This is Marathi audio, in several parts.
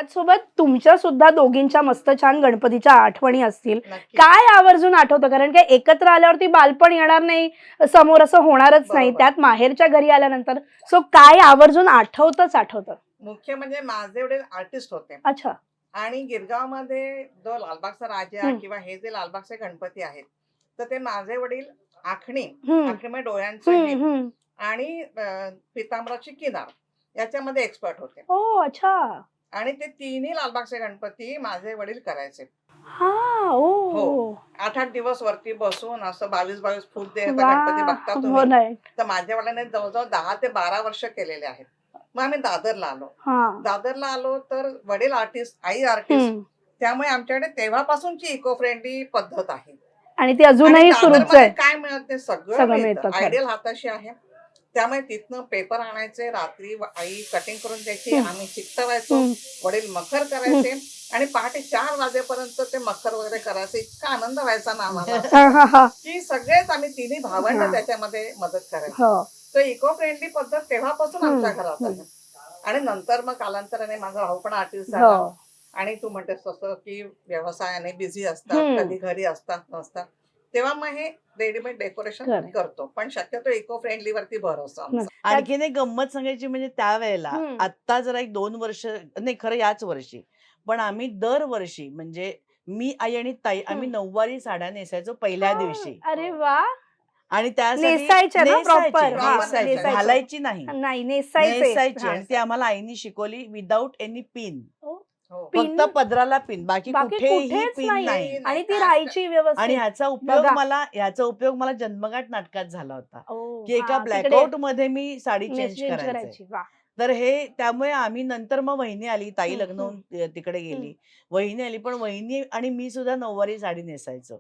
त्याचसोबत तुमच्या सुद्धा दोघींच्या मस्त छान गणपतीच्या आठवणी असतील. नक्की. काय आवर्जून आठवतं? कारण काय एकत्र आल्यावरती बालपण येणार नाही, समोर असं होणारच नाही. बरोबर. त्यात माहेरच्या घरी आल्यानंतर सो काय आवर्जून आठवतं? मुख्य म्हणजे माझे वडील आर्टिस्ट होते अच्छा. आणि गिरगावमध्ये जो लालबागचा राजा हं. किंवा हे जे लालबागचे गणपती आहेत, तर ते माझे वडील आखणी हं. आखणी म्हणजे डोळ्यांचं हं, हे हं. आणि पितांबराची किनार याच्यामध्ये एक्सपर्ट होते ओह! अच्छा. आणि ते तिन्ही लालबागचे गणपती माझे वडील करायचे. हां. हो. ओह! 8-8 दिवस वरती बसून असं 22-22 फूट ते आता गणपती बघता वाह! हो तुम्ही. नाही. तर माझ्या वडिलांनी जवळ-जवळ 10 ते 12 वर्ष केलेले आहेत. मग आम्ही दादरला आलो. हां. दादरला आलो तर वडील आर्टिस्ट, आई आर्टिस्ट. हं. त्यामुळे आमच्याकडे तेव्हापासूनची इको फ्रेंडली पद्धत आहे. आणि ती आणि अजूनही सुरूच दादरमध्ये आहे. काय मिळत ते सगळं सगळं मिळतं. मिळतं खरं. आयडियल हाताशी आहे. त्यामुळे तिथनं पेपर आणायचे, रात्री आई कटिंग करून द्यायची, हं. आम्ही चिकटवायचो, हं. वडील मखर करायचे आणि पहाटे 4 वाजेपर्यंत ते मखर वगैरे करायचे. इतका आनंद व्हायचा ना आम्हाला हां, हां, हां. की सगळेच आम्ही तिन्ही भावंड हां. त्याच्यामध्ये मदत करायचो. हो. तर इको फ्रेंडली पद्धत तेव्हापासून हं, आमच्या घरात हं. आहे. आणि नंतर मग कालांतराने माझा भाऊ पण आर्टिस्ट हो. झाला आणि तू म्हणतेस तसं की व्यवसायाने बिझी असतात, हं. कधी घरी असतात नसतात. तेव्हा मग हे रेडीमेड डेकोरेशन खरंय. करतो. पण शक्यतो इको फ्रेंडली वरती भर असतो आमचा. नक्की. त्यात आणखीन एक गंमत सांगायची म्हणजे त्यावेळेला हं. आत्ता जरा एक 2 वर्ष नाही खरं याच वर्षी. पण आम्ही दरवर्षी म्हणजे मी, आई आणि ताई आम्ही हं. नऊवारी साड्या नेसायचो पहिल्या हां. दिवशी. अरे वाह! आणि त्यासाठी नेसायच्या ना प्रॉपर? हां, नेसायची. नेसायचं. घालायची नाही. नाही नेसायचे. नेसायची हां. आणि ती आम्हाला आईनी शिकवली विदाऊट एनी पिन. ओह! हो. पिन फक्त पदराला पिन, बाकी बाकी कुठेही कुठेच पिन नाही नाही. नाही, आणि ती काय राहायची आणि व्यवस्थित. बघा. ह्याचा उपयोग मला जन्मगाठ नाटकात झाला होता, ओह! की एका हां, तिकडे ब्लॅकआउटमध्ये मी साडी चेंज चेंज करायचंय. करायची. वाह! तर हे त्यामुळे आम्ही नंतर मग वहिनी आली, ताई हं, लग्न हं, होऊन तिकडे हं. गेली. वहिनी आली, पण वहिनी आणि मी सुद्धा नऊवारी साडी नेसायचो.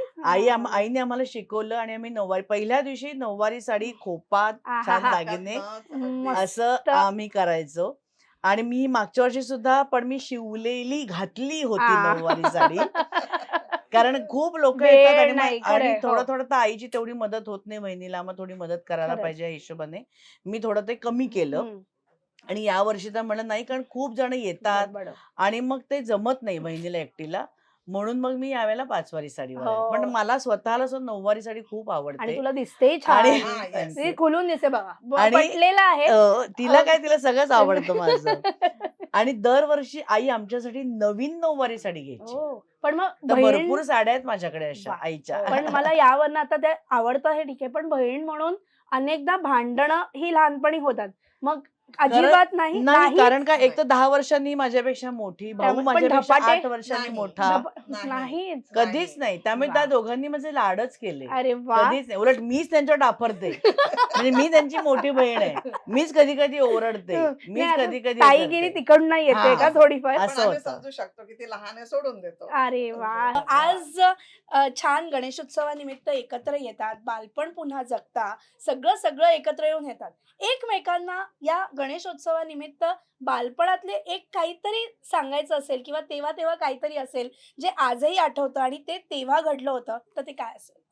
हां. आईने आम्हाला शिकवलं आणि आम्ही नऊवारी पहिल्या दिवशी नऊवारी साडी, खोपा, छान आहाहा! दागिने अगदी. असं मस्त. आम्ही करायचो. आणि मी मागच्या वर्षी सुद्धा पण मी शिवलेली घातली होती आ. नऊवारी साडी. कारण खूप लोकं येतात वेळ आणि मग नाही. आणि खरंय. हो. थोडं-थोडं तर आईची तेवढी मदत होत नाही वहिनीला, मग थोडी मदत करायला खरंय. पाहिजे या हिशोबाने मी थोडं ते कमी केलं. हं. आणि यावर्षी तर म्हणलं नाही कारण खूप जण येतात बरोबर. आणि मग ते जमत नाही वहिनीला एकटीला. म्हणून मग मी यावेळेला 5 वारी साडीवर आले. पण हो. मला स्वतःला नऊवारी साडी खूप आणि आवडते तुला दिसतेही आणि छान. हां, येस. ती थँक खुलून दिसते बघा. आणि पटलेलं आहे. तिला अ, काय तिला सगळंच आवडतं माझं. आणि दरवर्षी आई आमच्यासाठी नवीन नऊवारी साडी घ्यायची. हो. पण मग तर बहीण भरपूर साड्या आहेत माझ्याकडे अशा वाह! आईच्या. हो. पण मला यावरनं आता ते आवडतं हे ठीक आहे. पण बहीण म्हणून अनेकदा भांडणं ही लहानपणी होतात. मग खरं अजिबात नाही? नाही नाहीच? कारण का एक नाही. तर 10 वर्षांनी माझ्यापेक्षा मोठी, भाऊ त्यामुळे पण माझ्यापेक्षा धपाटे? 8 वर्षांनी नाही. मोठा. नाही. नाहीच. कधीच नाही. त्यामुळे त्या वाह! दोघांनी माझे लाडच केले. अरे वाह! कधीच नाही. उलट मीच त्यांच्यावर डाफरते. म्हणजे मी त्यांची मोठी बहीण आहे. मीच कधी-कधी ओरडते. नाही मीच आता कधी-कधी हे ताईगिरी करते. तिकडनं येते का हां, थोडीफार? पण असं आम्ही होतं. समजू शकतो की ती लहान आहे सोडून देतो. अरे वाह! आज छान गणेशोत्सवानिमित्त एकत्र येतात, बालपण पुन्हा जगता, सगळं एकत्र येऊन येतात. एकमेकांना या गणेशोत्सवानिमित्त बालपणातले एक काहीतरी सांगायचं असेल किंवा तेव्हा काहीतरी असेल, जे आजही आठवतं आणि ते तेव्हा घडलं होतं, तर ते काय असेल?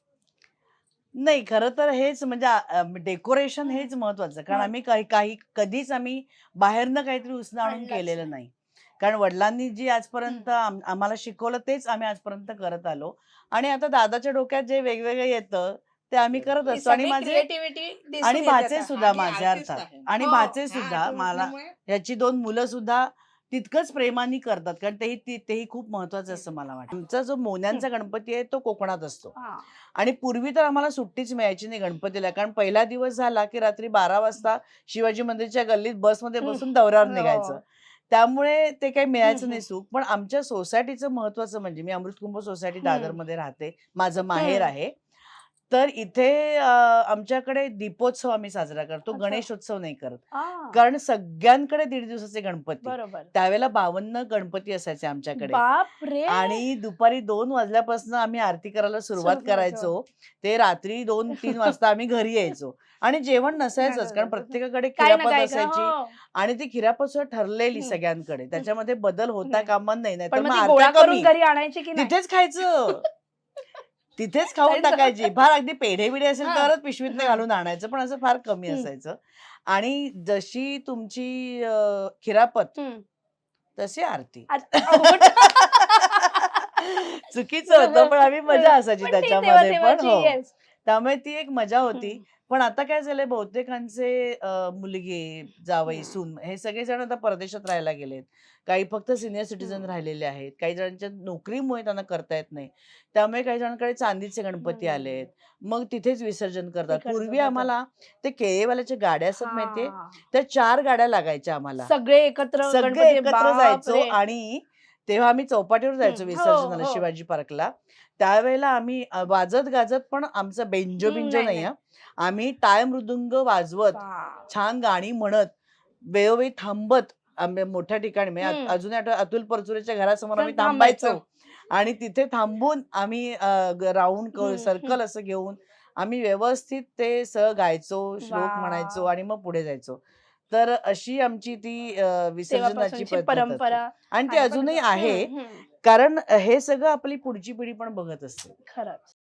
नाही खरं तर हेच म्हणजे डेकोरेशन हं, हेच महत्वाचं. कारण हं. आम्ही काही काही कधीच आम्ही बाहेरनं काहीतरी उसनं आणून आणलंच केलेलं नाही. नाही. कारण वडिलांनी जी हं. आजपर्यंत आम्हाला शिकवलं तेच आम्ही आजपर्यंत करत आलो. आणि आता दादाच्या डोक्यात जे वेगवेगळं येतं ते आम्ही करत ही असतो. आणि सगळी माझे क्रिएटिव्हिटी आणि दिसून येते भाचे आता. सुद्धा आणि माझे आर्टिस्ट अर्थात आहे. आणि हो. भाचे हा सुद्धा आर्टिस्ट मला असल्यामुळे ह्याची 2 मुलं सुद्धा तितकंच प्रेमाने करतात. कारण तेही खूप महत्वाचं असं मला वाटतं. आमचा जो हं. मोन्यांचा गणपती आहे तो कोकणात असतो. हां. आणि पूर्वी तर आम्हाला सुट्टीच मिळायची नाही गणपतीला. कारण पहिला दिवस झाला की रात्री 12 वाजता शिवाजी मंदिरच्या गल्लीत बसमध्ये हं. बसून दौऱ्यावर निघायचं. हो. त्यामुळे ते काही हं, मिळायचं हं. नाही सुख. पण आमच्या सोसायटीचं महत्वाचं म्हणजे मी अमृतकुंभ सोसायटी हं. दादरमध्ये राहते. माझं माहेर हं. आहे. तर इथे आमच्याकडे दीपोत्सव आम्ही साजरा करतो. अच्छा. गणेशोत्सव नाही करत. हां. कारण सगळ्यांकडे 1.5 दिवसाचे गणपती. बरोबर. त्यावेळेला 52 गणपती असायचे आमच्याकडे. बापरे! आणि दुपारी 2 वाजल्यापासून आम्ही आरती करायला सुरुवात सुरू करायचं. करायचो. ते रात्री 2-3 वाजता आम्ही घरी यायचो. आणि जेवण नसायचंच कारण प्रत्येकाकडे काही ना खिरापत काही का असायची हो. आणि ती खिरापत सुद्धा ठरलेली हं. सगळ्यांकडे. हं. त्याच्यामध्ये बदल होता नाही. कामा नये. पण नाहीतर मग मग ती आरत्या गोळा करून कमी. घरी आणायची की नाही? तिथेच खायचं. तिथेच खाऊन जायचं. टाकायची. फार अगदी पेढे-बिढे असेल हां. तरच पिशवीतनं हां. घालून आणायचं. पण असं फार कमी हं. असायचं. आणि जशी तुमची खिरापत हं. तशी आरती अवघड. चुकीचं होतं पण आम्ही मजा असायची पण ती त्याच्यामध्ये पण तेव्हाची, हो yes. त्यामुळे ती एक मजा होती. हम्म. पण आता काय झालंय बहुतेकांचे मुलगे जावई हम्म. सून हे सगळे जण आता परदेशात राहायला गेलेत. काही फक्त सिनियर सिटीजन हम्म. राहिलेले आहेत. काही जणांच्या नोकरीमुळे त्यांना करता येत नाही. त्यामुळे काही जणांकडे चांदीचे गणपती आलेत. मग तिथेच विसर्जन करतात. पूर्वी विसर्जन करतात. आम्हाला ते केळीवाल्याच्या गाड्या असतात माहितीये हा. त्या 4 गाड्या लागायच्या आम्हाला. सगळे एकत्र सगळे गणपती, एकत्र जायचो बापरे. आणि तेव्हा आम्ही चौपाटीवर जायचो हो विसर्जनाला हो. शिवाजी पार्कला. त्यावेळेला आम्ही वाजत गाजत पण आमचा बेंजो बिंजो नाही नाही नाही. हा. आम्ही टाळ मृदुंग वाजवत बाप. छान गाणी म्हणत वेळोवेळी थांबत आम्ही मोठ्या ठिकाणी म्हणजे हम्म. अजूनही आठवतं अतुल परचुरेच्या घरासमोर आम्ही थांबायचं. थांबायचो आणि तिथे थांबून आम्ही राऊंड हम्म. सर्कल असं घेऊन आम्ही व्यवस्थित ते गायचो श्लोक म्हणायचो वा. आणि मग पुढे जायचो. तर अशी आमची ती विसर्जनाची तेव्हापासूनची पद्धत होती परंपरा आणि ती आहे पण अजूनही आहे हम्म, हम्म. कारण हे सगळं आपली पुढची पिढी पण बघत असते. खरंच.